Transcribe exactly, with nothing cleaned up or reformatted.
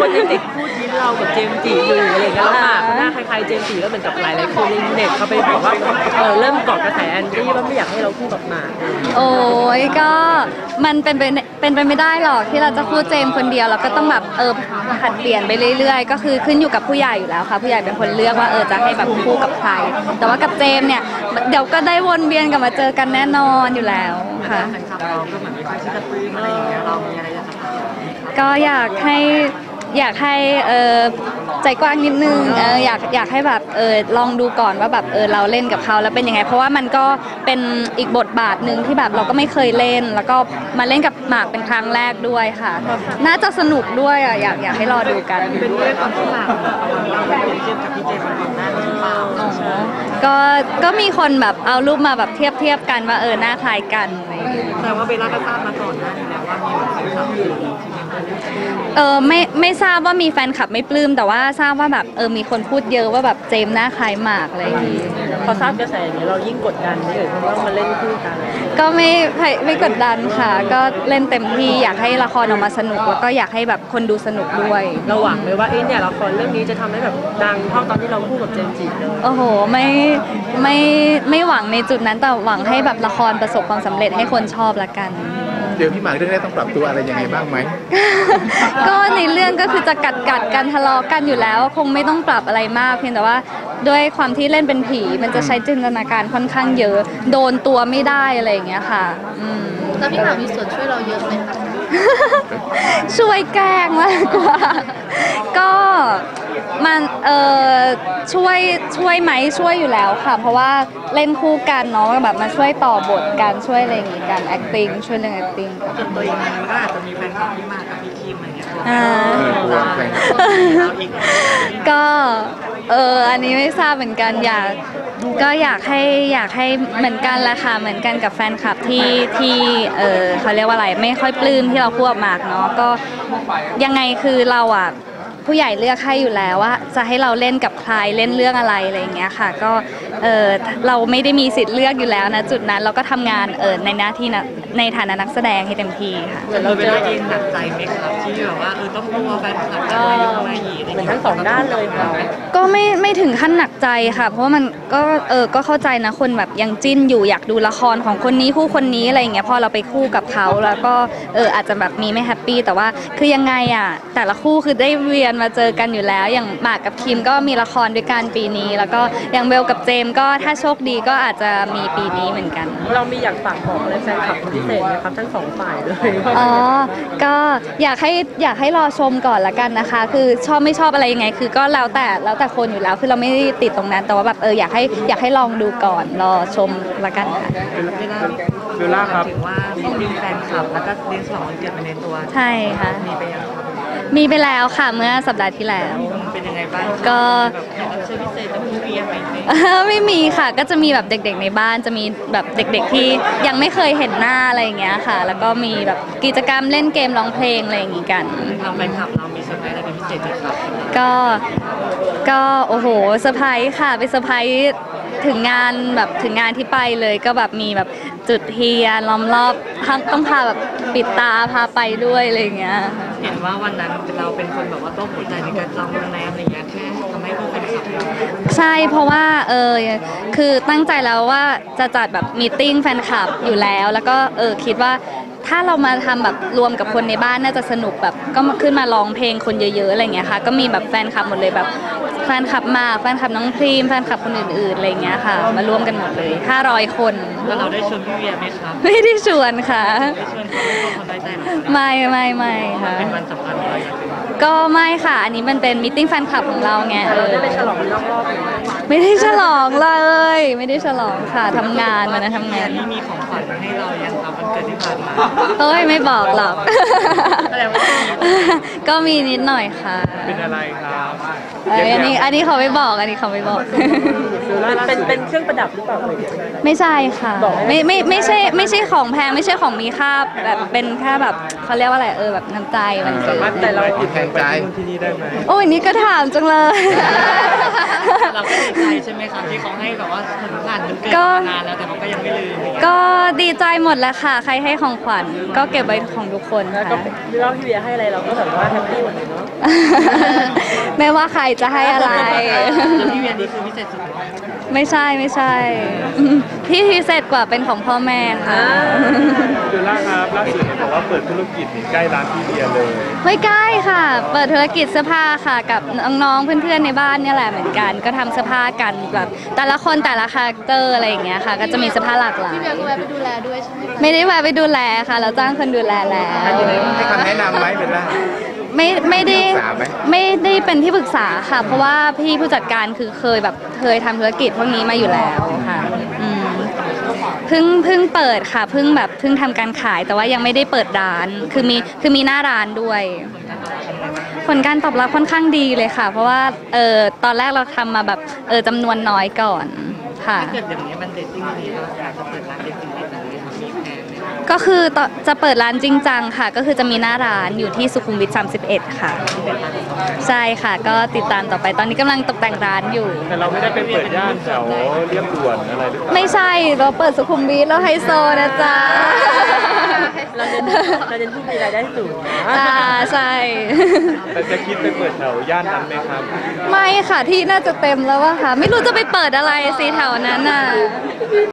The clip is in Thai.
คนยังติดพูดยิ้มเรากับเจมส์จีอยู่อะไรอย่างเงี้ยแล้วหมากหน้าคล้ายๆเจมส์จีแล้วเหมือนกับหลายๆคนในเน็ตเขาไปบอกว่าเออเริ่มเกาะกระแสแอนดี้ว่าไม่อยากให้เราคู่กับหมากโอ้ยก็มันเป็นไปเป็นไปไม่ได้หรอกที่เราจะคู่เจมคนเดียวเราก็ต้องแบบเออผัดเปลี่ยนไปเรื่อยๆก็คือขึ้นอยู่กับผู้ใหญ่อยู่แล้วค่ะผู้ใหญ่เป็นคนเลือกว่าเออจะให้แบบคู่กับใครแต่ว่ากับเจมเนี่ยเดี๋ยวก็ได้วนเวียนกลับมาเจอกันแน่นอนอยู่แล้วค่ะเราก็เหมือนไม่ค่อยชิดกับปืนอะไรอย่างเงี้ยเรามีอะไรจะทำก็อยากให้อยากให้เออใจกว้างนิดนึงเอออยากอยากให้แบบเออลองดูก่อนว่าแบบเออเราเล่นกับเขาแล้วเป็นยังไงเพราะว่ามันก็เป็นอีกบทบาทหนึ่งที่แบบเราก็ไม่เคยเล่นแล้วก็มาเล่นกับหมากเป็นครั้งแรกด้วยค่ะน่าจะสนุกด้วยอ่ะอยากอยากให้รอดูกันเป็นเรื่องความที่หมากเราเป็นเทียบกับพี่เจมส์ก่อนหน้าหรือเปล่าก็ก็มีคนแบบเอารูปมาแบบเทียบเทียบกันว่าเออหน้าคล้ายกันอะไรอย่างเงี้ยแต่ว่าเบลล่าก็ทราบมาก่อนหน้านี้แล้วว่ามีแบบแฟนคลับเออไม่ไม่ทราบว่ามีแฟนคลับไม่ปลื้มแต่ว่าทราบว่าแบบเออมีคนพูดเยอะว่าแบบเจมหน้าคล้ายหมากอะไรอย่างงี้พอทราบกระแสอย่างนี้เรายิ่งกดดันไหมเอ่ยเพราะว่ามาเล่นคู่กันก็ไม่ไม่กดดันค่ะก็เล่นเต็มที่อยากให้ละครออกมาสนุกแล้วก็อยากให้แบบคนดูสนุกด้วยเราหวังไหมว่าเอ๊ะเนี่ยละครเรื่องนี้จะทำให้แบบดังเท่าตอนที่เราคู่กับเจมส์จีโอ้โหไม่ไม่ไม่หวังในจุดนั้นแต่หวังให้แบบละครประสบความสำเร็จให้คนชอบละกันเดี๋ยวพี่หมากเรื่องนี้ต้องปรับตัวอะไรยังไงบ้างไหมก็ในเรื่องก็คือจะกัดกัดกันทะเลาะกันอยู่แล้วคงไม่ต้องปรับอะไรมากเพียงแต่ว่าด้วยความที่เล่นเป็นผีมันจะใช้จินตนาการค่อนข้างเยอะโดนตัวไม่ได้อะไรอย่างเงี้ยค่ะแล้วพี่หมากมีส่วนช่วยเราเยอะไหมคะช่วยแกล้งมากกว่าก็มันเออช่วยช่วยไหมช่วยอยู่แล้วค่ะเพราะว่าเล่นคู่กันเนาะแบบมาช่วยต่อบทกันช่วยอะไรอย่างงี้กัน acting ช่วยเรื่อง acting ส่วนตัวเองมันก็อาจจะมีแฟนคลับที่มากับพี่คิมอะไรเงี้ยก็เอออันนี้ไม่ทราบเหมือนกันอยากก็อยากให้อยากให้เหมือนกันละค่ะเหมือนกันกับแฟนคลับที่ที่เออเขาเรียกว่าอะไรไม่ค่อยปลื้มที่เราคู่กับหมากเนาะก็ยังไงคือเราอ่ะผู้ใหญ่เลือกให้อยู่แล้วว่าจะให้เราเล่นกับใครเล่นเรื่องอะไรอะไรอย่างเงี้ยค่ะก็เออเราไม่ได้มีสิทธิ์เลือกอยู่แล้วนะจุดนั้นเราก็ทำงานเออในหน้าที่ในฐานะนักแสดงให้เต็มที่ค่ะเราเป็นเองหนักใจไหมครับที่แบบว่าเออต้องกลัวแฟนคลับจะมายุ่งมาหยีอะไรทั้งสองด้านเลยค่ะก็ไม่ไม่ถึงขั้นหนักใจค่ะเพราะว่ามันก็เออก็เข้าใจนะคนแบบยังจิ้นอยู่อยากดูละครของคนนี้คู่คนนี้อะไรอย่างเงี้ยพอเราไปคู่กับเขาแล้วก็เอออาจจะแบบมีไม่แฮปปี้แต่ว่าคือยังไงอ่ะแต่ละคู่คือได้เวียนมาเจอกันอยู่แล้วอย่างหมากกับคิมก็มีละครด้วยกันปีนี้แล้วก็อย่างเบลกับเจมก็ถ้าโชคดีก็อาจจะมีปีนี้เหมือนกันเรามีอยากฝากบอกอะไรแฟนคลับพิเศษไหมครับทั้งสองฝ่ายเลยอ๋อก็อยากให้อยากให้รอชมก่อนละกันนะคะคือชอบไม่ชอบอะไรยังไงคือก็แล้วแต่แล้วแต่คนอยู่แล้วคือเราไม่ได้ติดตรงนั้นแต่ว่าแบบเอออยากให้อยากให้ลองดูก่อนรอชมละกันค่ะเบลล่าครับถึงว่ามีแฟนคลับแล้วก็เลี้ยงฉลองวันเกิดไปในตัวใช่ค่ะมีไปยังมีไปแล้วค่ะเมื่อสัปดาห์ที่แล้วเป็นยังไงบ้างก็เชิญพิเศษจะมีเวียไหมไม่มีค่ะก็จะมีแบบเด็กๆในบ้านจะมีแบบเด็กๆที่ยังไม่เคยเห็นหน้าอะไรอย่างเงี้ยค่ะแล้วก็มีแบบกิจกรรมเล่นเกมร้องเพลงอะไรอย่างงี้กันทำแฟนคลับเรามีเซอร์ไพรส์อะไรเป็นพิเศษไหมครับก็ก็โอ้โหเซอร์ไพรส์ค่ะไปเซอร์ไพรส์ถึงงานแบบถึงงานที่ไปเลยก็แบบมีแบบจุดเทียนล้อมรอบต้องพาแบบปิดตาพาไปด้วยอะไรอย่างเงี้ยเห็นว่าวันนั้นเราเป็นคนแบบว่าต้องหัวใจในการจองโรงแรมอะไรอย่างเงี้ยแค่ทำให้ผู้เป็นขับใช่เพราะว่าเออคือตั้งใจแล้วว่าจะจัดแบบมีตติ้งแฟนคลับอยู่แล้วแล้วก็เออคิดว่าถ้าเรามาทำแบบรวมกับคนในบ้านน่าจะสนุกแบบก็ขึ้นมาร้องเพลงคนเยอะๆอะไรเงี้ยค่ะก็มีแบบแฟนคลับหมดเลยแบบแฟนคลับมาแฟนคลับน้องพรีมแฟนคลับคนอื่นๆอะไรเงี้ยค่ะมาร่วมกันหมดเลยห้าร้อยคนแล้วเราได้ชวนพี่เวียไหมครับไม่ได้ชวนค่ะไม่ชวนเขาไม่เขาได้ใจหรอไม่ไม่ไม่ค่ะเป็นวันสำคัญอะไรก็ไม่ค่ะอันนี้มันเป็นมิทติ้งแฟนคลับของเราไงเราได้ไปฉลองนอกรอบไม่ได้ฉลองเลยไม่ได้ฉลองค่ะทำงานมานะทำงานที่มีของขวัญให้เรายังครับวันเกิดที่ผ่านมาเฮ้ยไม่บอกหรอกก็มีนิดหน่อยค่ะเป็นอะไรครับอันนี้อันนี้เขาไม่บอกอันนี้เขาไม่บอกเป็นเป็นเครื่องประดับหรือเปล่าไม่ใช่ค่ะไม่ไม่ไม่ใช่ไม่ใช่ของแพงไม่ใช่ของมีค่าแบบเป็นแค่แบบเขาเรียกว่าอะไรเออแบบน้ำใจมันสามารถแต่เราติดแทนใจที่นี่ได้ไหมโอ้ยนี่ก็ถามจังเลยเราก็ดีใจใช่ไหมครับที่เขาให้แบบว่าถึงผ่านมันเกิดมานานแล้วแต่เขาก็ยังไม่ลืมก็ดีใจหมดแหล้วค่ะ ใครให้ของขวัญก็เก็บไว้ของทุกคนแล้วก็ค่ะเล่าพี่เบียร์ให้อะไรเราก็แบบว่าแฮปปี้หมดเลยเนาะไม่ว่าใครจะให้อะไรแล้วพี่เบียร์นี่คือพิเศษสุดไม่ใช่ไม่ใช่ ที่พิเศษกว่าเป็นของพ่อแม่ค่ะเดือนล่าครับล่าสุดเห็นบอกว่าเปิดธุรกิจนี่ใกล้ร้านพี่เบียร์เลยไม่ใกล้ค่ะ เปิดธุรกิจเสื้อผ้าค่ะกับน้องๆเพื่อนๆในบ้านเนี่ยแหละเหมือนกัน ก็ทำเสื้อผ้ากันแบบแต่ละคนแต่ละคาแรคเตอร์อะไรอย่างเงี้ยค่ะ ก็จะมีเสื้อผ้าหลากหลายพี่เบียร์ก็แวะไปดูแลด้วยใช่ไหมคะไม่ได้แวะไปดูแลค่ะ เราจ้างคนดูแลแล้วให้คำแนะนำไหมเป็นไรไม่ไม่ได้ปรึกษาไหมไม่ได้เป็นที่ปรึกษาค่ะ เพราะว่าพี่ผู้จัดการคือเคยแบบเคยทำธุรกิจพวกนี้มาอยู่แล้วค่ะอืมเพิ่งเพิ่งเปิดค่ะเพิ่งแบบเพิ่งทำการขายแต่ว่ายังไม่ได้เปิดร้านคือมีคือมีหน้าร้านด้วย ผลการตอบรับค่อนข้างดีเลยค่ะ เพราะว่าเออตอนแรกเราทำมาแบบเออจำนวนน้อยก่อนค่ะถ้าเกิดอย่างนี้มันเด็ดจริงๆเราอยากจะเปิดร้านเด็ดจริงๆแบบนี้มีแผนไหมก็คือต่อจะเปิดร้านจริงจังค่ะ ก็คือจะมีหน้าร้านอยู่ที่สุขุมวิทสามสิบเอ็ดค่ะ ใช่ค่ะ ก็ติดตามต่อไปตอนนี้กำลังตกแต่งร้านอยู่แต่เราไม่ได้ไปเปิดย่านแถวเรียบด่วนอะไรหรือเปล่าไม่ใช่เราเปิดสุขุมวิทแล้วไฮโซนะจ๊ะเราเน้นเราเน้นผู้มีรายได้สูงนะอ่าใช่แต่จะคิดไปเปิดแถวย่านนั้นไหมครับไม่ค่ะที่น่าจะเต็มแล้วว่าค่ะ ไม่รู้จะไปเปิดอะไรสิแถวนั้นน่ะ